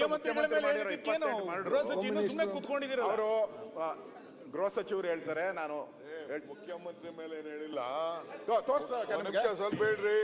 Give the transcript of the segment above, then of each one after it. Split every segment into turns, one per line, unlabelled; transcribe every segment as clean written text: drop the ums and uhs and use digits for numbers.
ಮುಖ್ಯಮಂತ್ರಿ ಮಾಡಿರೋ 28 ಮಾಡಿದ್ರು
ಸುಮ್ಮನೆ ಕೂತ್ಕೊಂಡಿದ್ದೀರಲ್ಲ.
ಅವರು ಗೃಹ ಸಚಿವರು ಹೇಳ್ತಾರೆ, ನಾನು
ಮುಖ್ಯಮಂತ್ರಿ ಮೇಲೆ ಏನ್ ಹೇಳಿಲ್ಲ.
ತೋರಿಸ್ತಾ
ಸ್ವಲ್ಪ ಹೇಳ್ರಿ,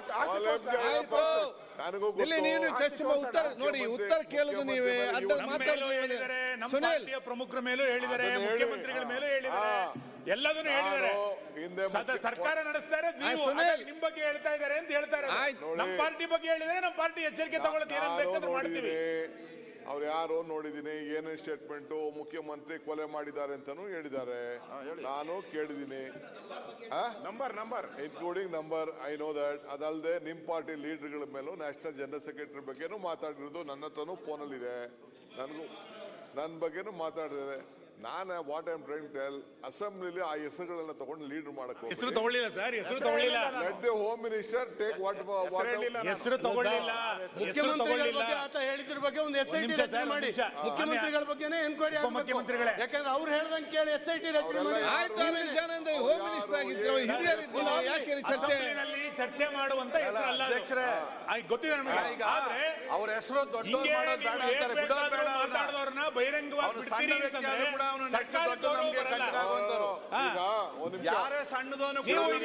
ನನಗೂ
ನೋಡಿ ಉತ್ತರ ಕೇಳೋದು ನೀವೇ.
ನಮ್ಮ ಪಾರ್ಟಿಯ ಪ್ರಮುಖರ ಮೇಲೂ ಹೇಳಿದ್ದಾರೆ, ಮುಖ್ಯಮಂತ್ರಿಗಳ ಮೇಲೂ ಹೇಳಿದ್ದಾರೆ, ಎಲ್ಲದನ್ನು ಹೇಳಿದ್ದಾರೆ. ಸರ್ಕಾರ ನಡೆಸ್ತಾರೆ, ನಿಮ್ ಬಗ್ಗೆ ಹೇಳ್ತಾ ಇದ್ದಾರೆ ಅಂತ ಹೇಳ್ತಾರೆ. ನಮ್ಮ ಪಾರ್ಟಿ ಬಗ್ಗೆ ಹೇಳಿದ್ರೆ ನಮ್ಮ ಪಾರ್ಟಿ ಎಚ್ಚರಿಕೆ ತಗೊಳ್ಳೋಕೆ ಏನೇನು ಬೇಕಾದ್ರೂ ಮಾಡ್ತೀವಿ.
ಅವ್ರು ಯಾರೋ ನೋಡಿದೀನಿ, ಏನೇನು ಸ್ಟೇಟ್ಮೆಂಟು ಮುಖ್ಯಮಂತ್ರಿ ಕೊಲೆ ಮಾಡಿದ್ದಾರೆ ಅಂತಾನು ಹೇಳಿದ್ದಾರೆ, ನಾನು ಕೇಳಿದ್ದೀನಿ.
Number
including number, I know that. ಅದಲ್ಲದೆ ನಿಮ್ ಪಾರ್ಟಿ ಲೀಡರ್ಗಳ ಮೇಲೂ ನ್ಯಾಷನಲ್ ಜನರಲ್ ಸೆಕ್ರೆಟರಿ ಬಗ್ಗೆನೂ ಮಾತಾಡಿರೋದು ನನ್ನ ಹತ್ರನೂ ಫೋನಲ್ಲಿದೆ. ನನ್ನ ಬಗ್ಗೆನೂ ಮಾತಾಡಿದ್ದಾರೆ. ನಾನು what I am trying to tell, ಅಸೆಂಬ್ಲಿಲಿ ಆ ಹೆಸರುಗಳನ್ನ ತಗೊಂಡು ಲೀಡರ್ ಮಾಡಕ್
ಹೆಸರು ತಗೊಳ್ಳಿಲ್ಲ ಸರ್, ಹೆಸರು ತಗೊಳ್ಳಿಲ್ಲ.
Let the home minister take what
ಹೆಸರು ತಗೊಳ್ಳಿಲ್ಲ,
ಮುಖ್ಯಮಂತ್ರಿಗಳ ಬಗ್ಗೆ ಆತ ಹೇಳಿದ್ರ ಬಗ್ಗೆ ಒಂದು SIT ರಚನೆ ಮಾಡಿ, ಮುಖ್ಯಮಂತ್ರಿಗಳ ಬಗ್ಗೆನೇ ಎನ್ಕ್ವೈರಿ ಆಗಬೇಕು. ಯಾಕಂದ್ರೆ ಅವ್ರು ಹೇಳ್ದಂಗೆ ಕೇಳಿ SIT ರಚನೆ ಮಾಡಿ.
ಹೋಮ್ ಮಿನಿಸ್ಟರ್ ಆಗಿದ್ರು, ಯಾಕೆ
ಚರ್ಚೆ ಮಾಡುವಂತ ಹೆಸರು ಅಲ್ಲ ಅಧ್ಯಕ್ಷರೇ, ಗೊತ್ತಿದೆ ನಮಗೆ. ಆದ್ರೆ
ಅವ್ರ ಹೆಸರು
ಮಾತಾಡೋರ್ನ ಬಹಿರಂಗವಾಗಿ ಬಿಡ್ತೀರಿ ಅಂತಂದ್ರೆ
ಯಾರೇ ಸಣ್ಣದವನು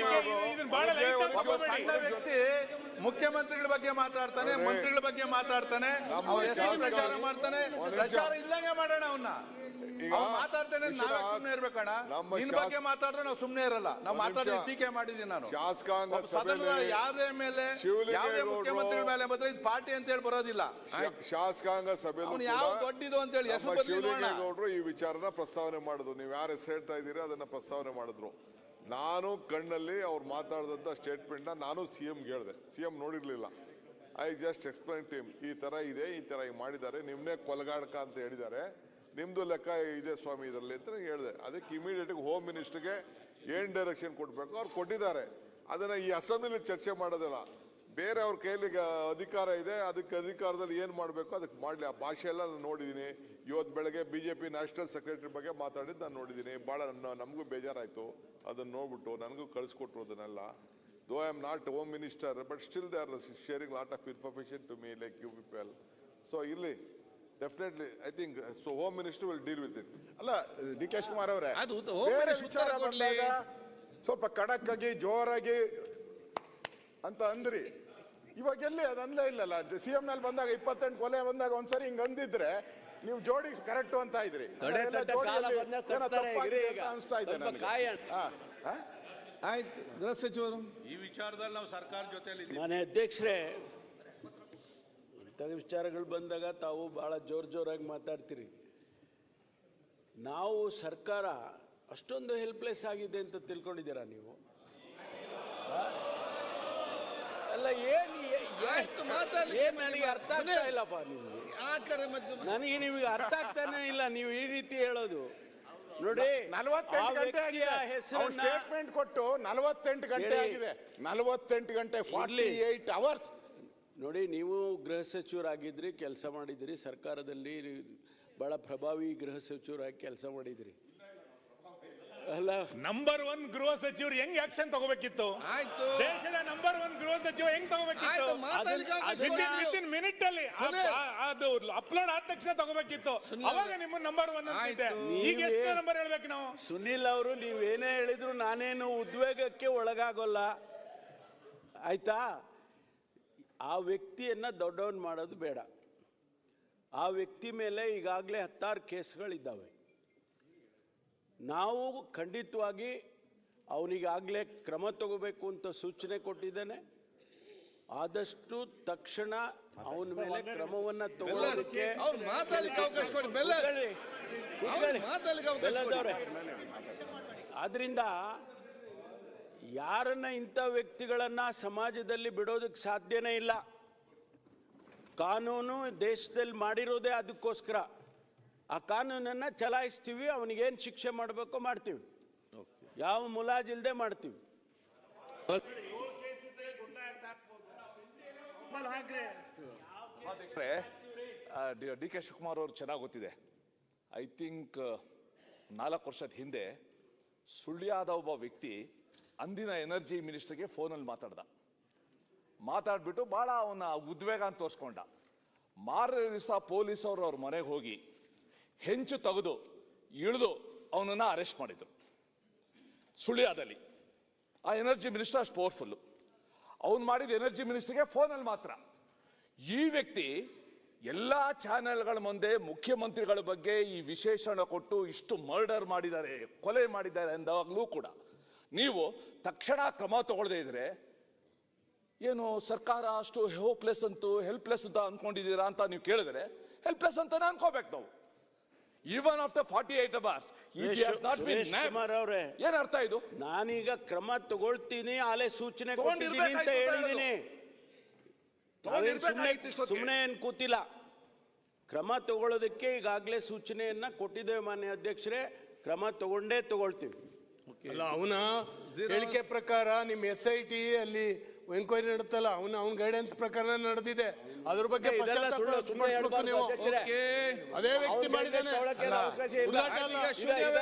ಸಣ್ಣ ವ್ಯಕ್ತಿ ಮುಖ್ಯಮಂತ್ರಿಗಳ ಬಗ್ಗೆ ಮಾತಾಡ್ತಾನೆ, ಮಂತ್ರಿಗಳ ಬಗ್ಗೆ ಮಾತಾಡ್ತಾನೆ, ಅವ್ರ ಹೆಸರು ಪ್ರಚಾರ ಮಾಡ್ತಾನೆ. ಪ್ರಚಾರ ಇಲ್ಲಂಗೆ ಮಾಡೋಣ ಅವನ್ನ. ಮಾತಾಡ್ತೇನೆ, ನಾವೇ ಸುಮ್ನೆ ಇರ್ಬೇಕಣ್ಣ. ನಿನ್ ಬಗ್ಗೆ ಮಾತಾಡಿದ್ರೆ ನಾವು ಸುಮ್ನೆ ಇರಲ್ಲ. ನಾವು ಮಾತಾಡಿ ಟೀಕೆ ಮಾಡಿದೀನಿ ನಾನು.
ಶಾಸಕಾಂಗ
ಯಾರೇ ಮೇಲೆ ಯಾವುದೇ ಮುಖ್ಯಮಂತ್ರಿಗಳ ಮೇಲೆ ಬಂದ್ರೆ ಇದು ಪಾರ್ಟಿ ಅಂತ ಹೇಳಿ ಬರೋದಿಲ್ಲ.
ಶಾಸಕಾಂಗ ಸಭೆ
ಯಾವ ದೊಡ್ಡದು ಅಂತ ಹೇಳಿ
ಶಿವಲಿಂಗೇಗೌಡರು ಈ ವಿಚಾರನ ಪ್ರಸ್ತಾವನೆ ಮಾಡಿದ್ರು. ನೀವು ಯಾರು ಹೆಸರು ಹೇಳ್ತಾ ಇದ್ದೀರಿ ಅದನ್ನ ಪ್ರಸ್ತಾವನೆ ಮಾಡಿದ್ರು. ನಾನು ಕಣ್ಣಲ್ಲಿ ಅವ್ರು ಮಾತಾಡಿದಂತ ಸ್ಟೇಟ್ಮೆಂಟ್ ನಾನು CM ಹೇಳಿದೆ. CM ನೋಡಿರ್ಲಿಲ್ಲ. I just explain to him, ಈ ತರ ಇದೆ, ಈ ತರ ಮಾಡಿದ್ದಾರೆ, ನಿಮ್ನೆ ಕೊಲಗಾಡಕ ಅಂತ ಹೇಳಿದ್ದಾರೆ, ನಿಮ್ದು ಲೆಕ್ಕ ಇದೆ ಸ್ವಾಮಿ ಇದರಲ್ಲಿ ಅಂತ ಹೇಳಿದೆ. ಅದಕ್ಕೆ ಇಮಿಡಿಯೇಟ್ ಹೋಮ್ ಮಿನಿಸ್ಟರ್ಗೆ ಏನ್ ಡೈರೆಕ್ಷನ್ ಕೊಡ್ಬೇಕು ಅವ್ರು ಕೊಟ್ಟಿದ್ದಾರೆ. ಅದನ್ನ ಈ ಅಸೆಂಬ್ಲಿಲಿ ಚರ್ಚೆ ಮಾಡೋದಿಲ್ಲ. ಬೇರೆ ಅವ್ರ ಕೈಲಿ ಅಧಿಕಾರ ಇದೆ, ಅದಕ್ಕೆ ಅಧಿಕಾರದಲ್ಲಿ ಏನು ಮಾಡಬೇಕು ಅದಕ್ಕೆ ಮಾಡಲಿ. ಆ ಭಾಷೆ ಎಲ್ಲ ನಾನು ನೋಡಿದ್ದೀನಿ. ಇವತ್ತು ಬೆಳಗ್ಗೆ BJP ನ್ಯಾಷನಲ್ ಸೆಕ್ರೆಟರಿ ಬಗ್ಗೆ ಮಾತಾಡಿದ್ದು ನಾನು ನೋಡಿದ್ದೀನಿ. ಭಾಳ ನಮಗೂ ಬೇಜಾರಾಯಿತು. ಅದನ್ನು ನೋಡ್ಬಿಟ್ಟು ನನಗೂ ಕಳಿಸ್ಕೊಟ್ರು ಅದನ್ನೆಲ್ಲ. Though I am not home minister, but still they are sharing lot of information to me like you people. So ಇಲ್ಲಿ definitely I think so home minister will deal with it.
ಅಲ್ಲ DK ಶಿವಕುಮಾರ್ ಅವರೇ, ಬೇರೆ ವಿಚಾರ ಬಂದಾಗ ಸ್ವಲ್ಪ ಖಡಕ್ ಆಗಿ ಜೋರಾಗಿ ಅಂತ ಅಂದ್ರಿ. ಇವಾಗ ಎಲ್ಲಿ ಅದು ಅನ್ಲೇ ಇಲ್ಲಲ್ಲ. CM ನಲ್ಲಿ ಬಂದಾಗ 28 ಕೊಲೆ ಬಂದಾಗ ಒಂದ್ಸರಿ ಹಿಂಗ್ ಅಂದಿದ್ರೆ ನೀವು ಜೋಡಿ ಕರೆಕ್ಟ್ ಅಂತ ಇದ್ರಿ. ಅನಿಸ್ತಾ ಇದೆ ನನಗೆ.
ಆಯ್ತು, ಗೃಹ ಸಚಿವರು
ಈ ವಿಚಾರದಲ್ಲಿ ನಾವು ಸರ್ಕಾರ ಜೊತೆಯಲ್ಲಿ
ಮನೆ ಅಧ್ಯಕ್ಷರೇ, ಇಂಥ ವಿಚಾರಗಳು ಬಂದಾಗ ತಾವು ಭಾಳ ಜೋರಾಗಿ ಮಾತಾಡ್ತೀರಿ. ನಾವು ಸರ್ಕಾರ ಅಷ್ಟೊಂದು ಹೆಲ್ಪ್ಲೆಸ್ ಆಗಿದೆ ಅಂತ ತಿಳ್ಕೊಂಡಿದ್ದೀರಾ ನೀವು? ಅಲ್ಲ, ಏನು ನನಗೆ ಅರ್ಥ ಆಗ್ತಾ ಇಲ್ಲಪ್ಪ. ನನಗೆ ನಿಮಗೆ ಅರ್ಥ ಆಗ್ತಾನೆ ಇಲ್ಲ ನೀವು ಈ ರೀತಿ ಹೇಳೋದು. ನೋಡಿ,
48 ಗಂಟೆ ಆಗಿದೆ ಸ್ಟೇಟ್ಮೆಂಟ್ ಕೊಟ್ಟು. 48 ಗಂಟೆ ಆಗಿದೆ. 48 ಗಂಟೆ 48 ಅವರ್ಸ್.
ನೋಡಿ, ನೀವು ಗೃಹ ಸಚಿವರಾಗಿದ್ರಿ, ಕೆಲಸ ಮಾಡಿದ್ರಿ, ಸರ್ಕಾರದಲ್ಲಿ ಬಹಳ ಪ್ರಭಾವಿ ಗೃಹ ಸಚಿವರಾಗಿ ಕೆಲಸ ಮಾಡಿದ್ರಿ. ಅಲ್ಲ,
ನಂಬರ್ 1 ಗೃಹ ಸಚಿವರು ಹೆಂಗ್ ಆಕ್ಷನ್ ತಗೋಬೇಕಿತ್ತು?
ಆಯ್ತು,
ದೇಶದ ನಂಬರ್ 1 ಗೃಹ ಸಚಿವ ಹೆಂಗ್ ತಗೋಬೇಕಿತ್ತು? ವಿತಿನ್ ಮಿನಿಟ್ ಅಲ್ಲಿ ಅದು ಅಪ್ಲೋಡ್ ಆದ ತಕ್ಷಣ ತಗೋಬೇಕಿತ್ತು. ಅವಾಗ ನಿಮ್ಮ ನಂಬರ್ 1 ಅಂತಿದೆ. ಈಗ ಎಷ್ಟು ನಂಬರ್ ಹೇಳ್ಬೇಕು ನಾವು?
ಸುನಿಲ್ ಅವರು, ನೀವೇನೇ ಹೇಳಿದ್ರು ನಾನೇನು ಉದ್ವೇಗಕ್ಕೆ ಒಳಗಾಗೋಲ್ಲ, ಆಯ್ತಾ? ಆ ವ್ಯಕ್ತಿಯನ್ನ ದೊಡ್ಡವನ್ ಮಾಡೋದು ಬೇಡ. ಆ ವ್ಯಕ್ತಿ ಮೇಲೆ ಈಗಾಗಲೇ 10 ಕೇಸ್ಗಳಿದ್ದಾವೆ. ನಾವು ಖಂಡಿತವಾಗಿ ಅವನಿಗಾಗಲೇ ಕ್ರಮ ತಗೋಬೇಕು ಅಂತ ಸೂಚನೆ ಕೊಟ್ಟಿದ್ದೇನೆ. ಆದಷ್ಟು ತಕ್ಷಣ ಅವನ ಮೇಲೆ ಕ್ರಮವನ್ನು ತಗೊಳ್ಳೋದಕ್ಕೆ ಆದ್ರಿಂದ ಯಾರನ್ನ ಇಂಥ ವ್ಯಕ್ತಿಗಳನ್ನ ಸಮಾಜದಲ್ಲಿ ಬಿಡೋದಕ್ಕೆ ಸಾಧ್ಯನೇ ಇಲ್ಲ. ಕಾನೂನು ದೇಶದಲ್ಲಿ ಮಾಡಿರೋದೇ ಅದಕ್ಕೋಸ್ಕರ. ಆ ಕಾನೂನನ್ನು ಚಲಾಯಿಸ್ತೀವಿ, ಅವನಿಗೇನು ಶಿಕ್ಷೆ ಮಾಡಬೇಕು ಮಾಡ್ತೀವಿ, ಯಾವ ಮುಲಾಜಿಲ್ಲದೆ ಮಾಡ್ತೀವಿ.
DK ಶಿವಕುಮಾರ್ ಅವರು ಚೆನ್ನಾಗಿ ಗೊತ್ತಿದೆ. ಐ ಥಿಂಕ್ 4 ವರ್ಷದ ಹಿಂದೆ ಸುಳ್ಯದ ಒಬ್ಬ ವ್ಯಕ್ತಿ ಅಂದಿನ ಎನರ್ಜಿ ಮಿನಿಸ್ಟರ್ಗೆ ಫೋನಲ್ಲಿ ಮಾತಾಡ್ಬಿಟ್ಟು ಭಾಳ ಅವನ ಉದ್ವೇಗ ಅಂತ ತೋರಿಸ್ಕೊಂಡ. ಮಾರನೇ ದಿವಸ ಪೊಲೀಸ್ ಅವರು ಅವ್ರ ಮನೆಗೆ ಹೋಗಿ ಹೆಂಚು ತೆಗೆದು ಇಳಿದು ಅವನನ್ನು ಅರೆಸ್ಟ್ ಮಾಡಿದ್ರು ಸುಳ್ಯದಲ್ಲಿ. ಆ ಎನರ್ಜಿ ಮಿನಿಸ್ಟರ್ ಅಷ್ಟು ಪವರ್ಫುಲ್ಲು. ಅವನು ಮಾಡಿದ ಎನರ್ಜಿ ಮಿನಿಸ್ಟರ್ಗೆ ಫೋನಲ್ಲಿ ಮಾತ್ರ. ಈ ವ್ಯಕ್ತಿ ಎಲ್ಲ ಚಾನೆಲ್ಗಳ ಮುಂದೆ ಮುಖ್ಯಮಂತ್ರಿಗಳ ಬಗ್ಗೆ ಈ ವಿಶೇಷಣ ಕೊಟ್ಟು ಇಷ್ಟು ಮರ್ಡರ್ ಮಾಡಿದ್ದಾರೆ, ಕೊಲೆ ಮಾಡಿದ್ದಾರೆ ಅಂದಾಗಲೂ ಕೂಡ ನೀವು ತಕ್ಷಣ ಕ್ರಮ ತಗೊಳ್ಳದೇ ಇದ್ರೆ ಏನು ಸರ್ಕಾರ ಅಷ್ಟು ಹೋಪ್ಲೆಸ್ ಅಂತೂ ಹೆಲ್ಪ್ಲೆಸ್ ಅಂತ ಅನ್ಕೊಂಡಿದ್ದೀರಾ ಅಂತ ನೀವು ಕೇಳಿದ್ರೆ ಹೆಲ್ಪ್ಲೆಸ್ ಅಂತಾನೆ ಅನ್ಕೋಬೇಕು ನಾವು. ಈವನ್ ಆಫ್ಟರ್ 48 hours ಏನ್ ಅರ್ಥ ಇದು?
ನಾನೀಗ ಕ್ರಮ ತಗೊಳ್ತೀನಿ, ಆಲೆ ಸೂಚನೆ ಕೊಟ್ಟಿದ್ದೀನಿ ಅಂತ ಹೇಳಿದ್ದೀನಿ. ಸುಮ್ಮನೆ ಏನ್ ಕೂತಿಲ್ಲ. ಕ್ರಮ ತಗೊಳ್ಳೋದಕ್ಕೆ ಈಗಾಗಲೇ ಸೂಚನೆಯನ್ನ ಕೊಟ್ಟಿದ್ದೇವೆ ಮಾನ್ಯ ಅಧ್ಯಕ್ಷರೇ. ಕ್ರಮ ತಗೊಂಡೇ ತಗೊಳ್ತೀವಿ.
ಅಲ್ಲ, ಅವನ ಹೇಳಿಕೆ ಪ್ರಕಾರ ನಿಮ್ಮ SIT ಅಲ್ಲಿ ಎನ್ಕ್ವೈರಿ ನಡೆತಲ್ಲ, ಅವನ ಗೈಡೆನ್ಸ್ ಪ್ರಕಾರ ನಡೆದಿದೆ. ಅದ್ರ ಬಗ್ಗೆ ಅದೇ ವ್ಯಕ್ತಿ ಮಾಡಿದ್ದಾನೆ.